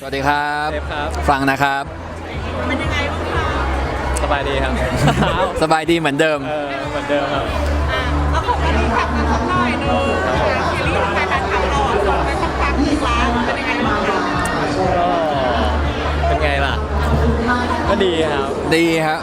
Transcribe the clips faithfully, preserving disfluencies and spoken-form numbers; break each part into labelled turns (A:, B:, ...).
A: สวัสดีครับ
B: เซฟครับ
A: ฟังนะครับ
C: เป็นยังไงบ้างคะ
B: สบายดีครับ
A: สบายดีเหมือนเดิม
B: เออเหมือนเดิมครับ
C: อ่ะแล้วผมมารีแคปกันสักหน่อยหนึงนะคะซีรีส์การถ่ายทำเราส่งไปสักพักหนึ่งแล้วเป็นยังไงบ้างคะ
B: ก็เป็นไงล่ะ ก็ดีครับ
A: ดีครับ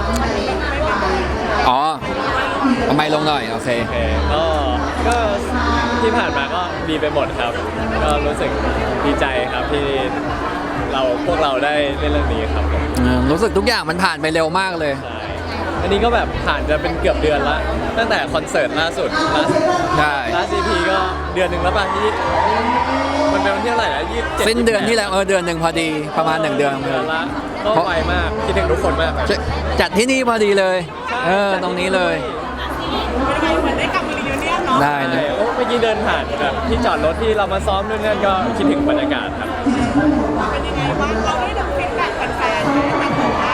A: อ๋อเอาไมค์ลงหน่อย โอเค
B: โอเคก็ก็ที่ผ่านมาก็ดีไปหมดครับ ก็รู้สึกดีใจครับที่เราพวกเราได้เล่นเรื่องนี้ครับผม
A: อืมรู้สึกทุกอย่างมันผ่านไปเร็วมากเลย
B: ใช่อันนี้ก็แบบผ่านจะเป็นเกือบเดือนละตั้งแต่คอนเสิร์ตล่าสุดล่า
A: ใช่
B: ล่าซีพีก็เดือนหนึ่งแล้วป่ะที่มันเป็นวันที่เท่าไหร่นะยี่สิบเจ็ด
A: สิ้นเดือนที่แล้วเออเดือนหนึ่งพอดีประมาณหนึ่งเดือน
B: เดือนละก็ไวมากคิดถึงทุกคนมากครับ
A: จะจัดที่นี่พอดีเลย เออ ตรงนี้เลย
C: เป็นยังไงเหมือนได้กลับมารีวิวเนี่ยเนาะ
A: ได้
B: ใช่
A: นะ
B: โอ้เมื่อกี้เดินผ่านแบบที่จอดรถที่เรามาซ้อมด้วยนั่นก็คิดถึงบรรยากาศครับ
C: เป็นยังไงบ้างเราได้ดูฟีดแบ็กแฟนๆไหมแบบว่า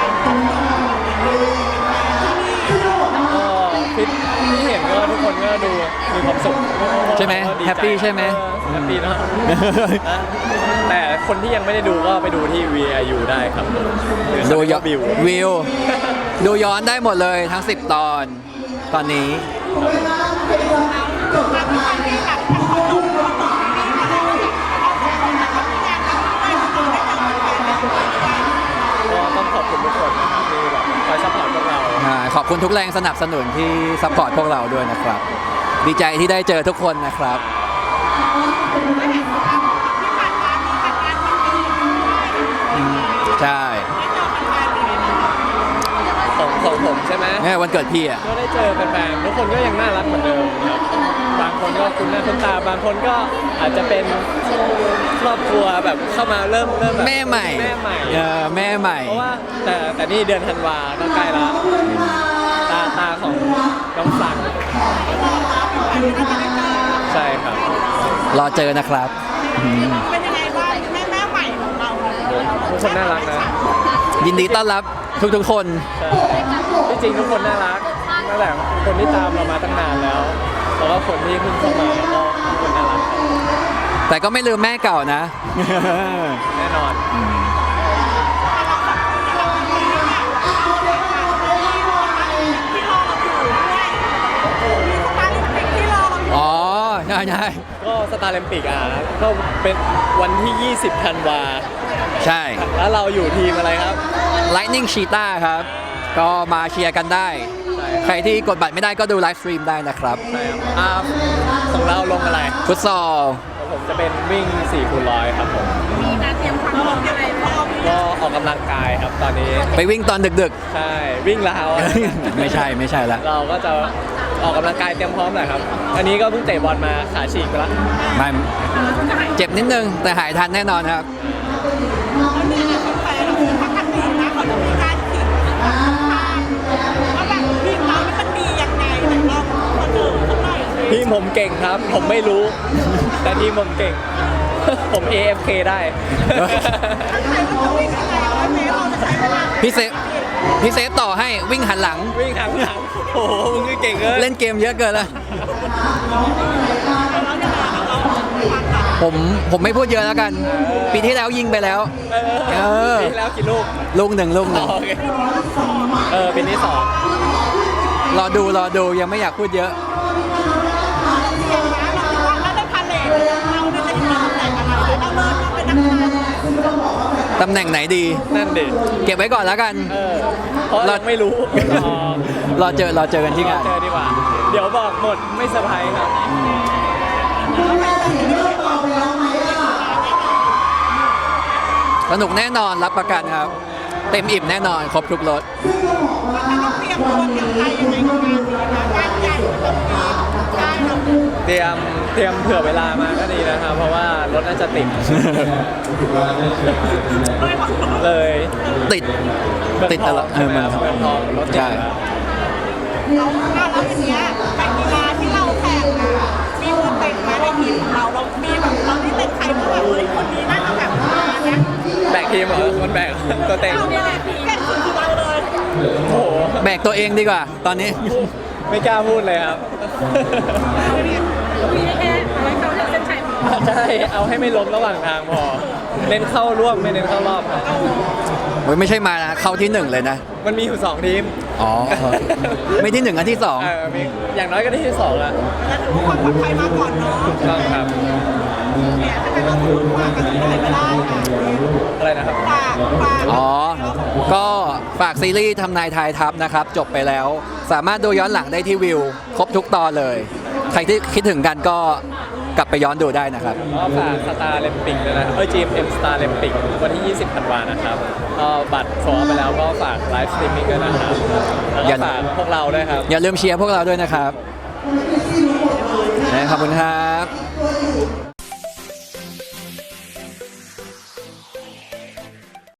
B: ก็ฟิตที่เห็นก็ทุกคนก็ดูมีความสุข
A: ใช่ไหม
B: ก็ดีจ
A: แฮปปี้ใช่ไหม
B: เออแฮปปี้เนาะนะแต่คนที่ยังไม่ได้ดูก็ไปดูที่ วี ไอ ยู ได้ครับ
A: ดูย้อน
B: วิว
A: วิว ดูย้อนได้หมดเลยทั้งสิบตอน ตอนนี้
C: มาที่การที่แบบทำขนมขนมนี่มาแล้วแบบเอาของมาทำงานกันด้วยเราได้เจอแฟนๆในทุกวัน
B: ก็ต้องขอบคุณทุกคนนะครับที่แบบคอยซัพพอร์ตพวกเรา
A: อ่าขอบคุณทุกแรงสนับสนุนที่ซัพพอร์ตพวกเราด้วยนะครับ ดีใจที่ได้เจอทุกคนนะครับ ใช่
B: ของของผมใช่ไหม
A: เนี่ยวันเกิดพี่อ่ะ
B: ก็ได้เจอแฟนๆทุกคนก็ยังน่ารักเหมือนเดิมครับบางคนก็คุ้นหน้าคุ้นตา บางคนก็อาจจะเป็นครอบครัวแบบเข้ามาเริ่มเริ่มบบ
A: แม่ใหม่
B: แม่ใหม่
A: เออแม่ใหม่
B: เพราะว่าแต่แต่นี่เดือนธันวาก็ใกล้ละตาตาของน้องสังใช่ครับ
A: รอเจอนะครับอืม
C: เป็นยังไงบ้างแม่แม่ใหม่ของเรา
B: ทุกคนน่ารักนะ
A: ยินดีต้อนรับทุกๆคน
B: ใช่ที่จริงทุกคนน่ารักตั้งแต่คนที่ตามเรามาตั้งนานแล้ว แล้วก็คนที่เพิ่งเข้ามาก็ทุกคนน่ารัก
A: แต่ก็ไม่ลืมแม่เก่านะ
B: แน่นอน
A: อ๋อ ใช่ใช่
B: ก็สตาร์เลมปิกอ่ะก็เป็นวันที่ ยี่สิบ ธันวา
A: ใช่
B: แล้วเราอยู่ทีมอะไรครับ
A: Lightning Cheetah ครับ ก็มาเชียร์กันได้
B: ใช่
A: ใครที่กดบัตรไม่ได้ก็ดูไลฟ์สตรีมได้นะครับ
B: ใช่ครับอ่าของเราลงอะไร
A: ฟุตซอล
B: ของผมจะเป็นวิ่ง สี่คูณร้อยครับผม
C: มีการเตรียมความพร้อมยังไงบ้าง
B: ก็ออกกำลังกายครับตอนนี้
A: ไปวิ่งตอนดึก
B: ใช่ วิ่งแล้ว
A: ๆ ไม่ใช่ไม่ใช่ละ
B: เราก็จะออกกำลังกายเตรียมพร้อมแหละครับ อันนี้ก็เพิ่งเตะบอลมาขาฉีกไปแล้ว
A: ไม่เจ็บนิดนึง แต่หายทันแน่นอนครับ
C: แล้วเนี่ยแฟนเราปกตินะเขาจะมีการขิงว่าแบบทีมเรานี่มันดียังไงแต่เราคนอื่นเขาหน่อยสิ
B: ทีมผมเก่งครับ ผมไม่รู้ แต่ทีมผมเก่ง ผม เอ เอฟ เค ได้
C: ใครก็จะวิ่งยังไงวะเมเราจะใช้เวลา
A: พี่เซฟพี่เซฟต่อให้วิ่งหันหลัง
B: วิ่งทางหลังโอ้โหมึงคือเก่งเลย
A: เล่นเกมเยอะเกินละ
C: แล้วเนี่ยเราฟังแบบ
A: ผมผมไม่พูดเยอะแล้วกัน ปีที่แล้วยิงไปแล้ว
B: เอ
A: เอ
B: อ
A: อ
B: ปีที่แล้วกี่ลูก
A: ลูกหนึ่งลูกหนึ่ง
B: โอเคเออปีนี้สอง
A: รอดูรอดูยังไม่อยากพูดเยอะ
C: เรียนนะเราคิดว่าแล้วได้พาเลทเราเนี่ยจะอยู่ในตำแหน่งอะไรเราเลิศมาเป็นนักกีฬา
A: ตำแหน่งไหนดี
B: นั่นดิ
A: เก็บไว้ก่อนแล้วกัน
B: เออเพราะเราไม่รู้รอ
A: รอเจอรอเจอกันที่งาน
B: เจอดีกว่า เดี๋ยวบอกหมดไม่เซอร์ไพรส์ครับ
A: สนุกแน่นอนรับประกันครับ เต็มอิ่มแน่นอนครบทุกรส
C: ต้องเตรียมตัวเตรียมใจยังไงกับงานนี้นะงานใหญ่ต้องมีได้เรา
B: เตรียมเตรียมเผื่อเวลามาก็ดีนะครับ เพราะว่ารถน่าจะติด เลย
A: ติด ติดตลอดเออมัน
B: เมืองทองรถติด
A: ใช่
C: เราแล้วทีเนี้ยการกีฬาที่เราแข่งอะมีตัวเต็งไหมในทีมของเราเรามีแบบเราที่เป็นใครที่แบบเฮ้ยคนนี้น่าจะแบบมาเนี่ย
B: แบกทีมเหรอคนแบกตัวเต็ง
C: เราเนี่ยแหละเก่งสุดคือเราเลย
B: โอ้โห
A: แบกตัวเองดีกว่า ตอนนี้
B: ไม่กล้าพูดเลยครับ
C: มีแค่อะไรเขาเลือกเส้นชัยพอ
B: ใช่เอาให้ไม่ล้มระหว่างทางพอเน้นเข้าร่วมไม่เน้นเข้ารอบครับ
A: โอ้ยไม่ใช่มานะเข้าที่หนึ่งเลยนะ
B: มันมีอยู่สองทีม
A: อ๋อ ไม่ที่หนึ่งอันที่สอง
B: เออมีอย่างน้อยก็ได้ที่สองละ
C: แล้วถือว่าความปลอดภัยมาก่อนเนาะ
B: ถูกต้องครับ
C: เนี่ยถ้าเป็นเราถือว่ากันที่ไหนก็ได้ค่ะ
B: อะไรนะครับ
C: ฝากฝาก
A: อ๋อ ก็ฝากซีรีส์ทำนายทายทัพนะครับ จบไปแล้ว สามารถดูย้อนหลังได้ที่วิว ครบทุกตอนเลย ใครที่คิดถึงกันก็กลับไปย้อนดูได้นะครับ
B: ก็ฝากสตาร์เลมปิกด้วยนะครับเออ จี เอ็ม เอ็ม Star เลมปิกวันที่ ยี่สิบธันวานะครับก็บัตรโซลไปแล้วก็ฝากไลฟ์สตรีมมิ่งด้วยนะครับแล้ว
A: อย่า
B: ก็ฝากพวกเราด้วยครับ
A: อย่าลืมเชียร์พวกเราด้วยนะครับ ขอบคุณครับ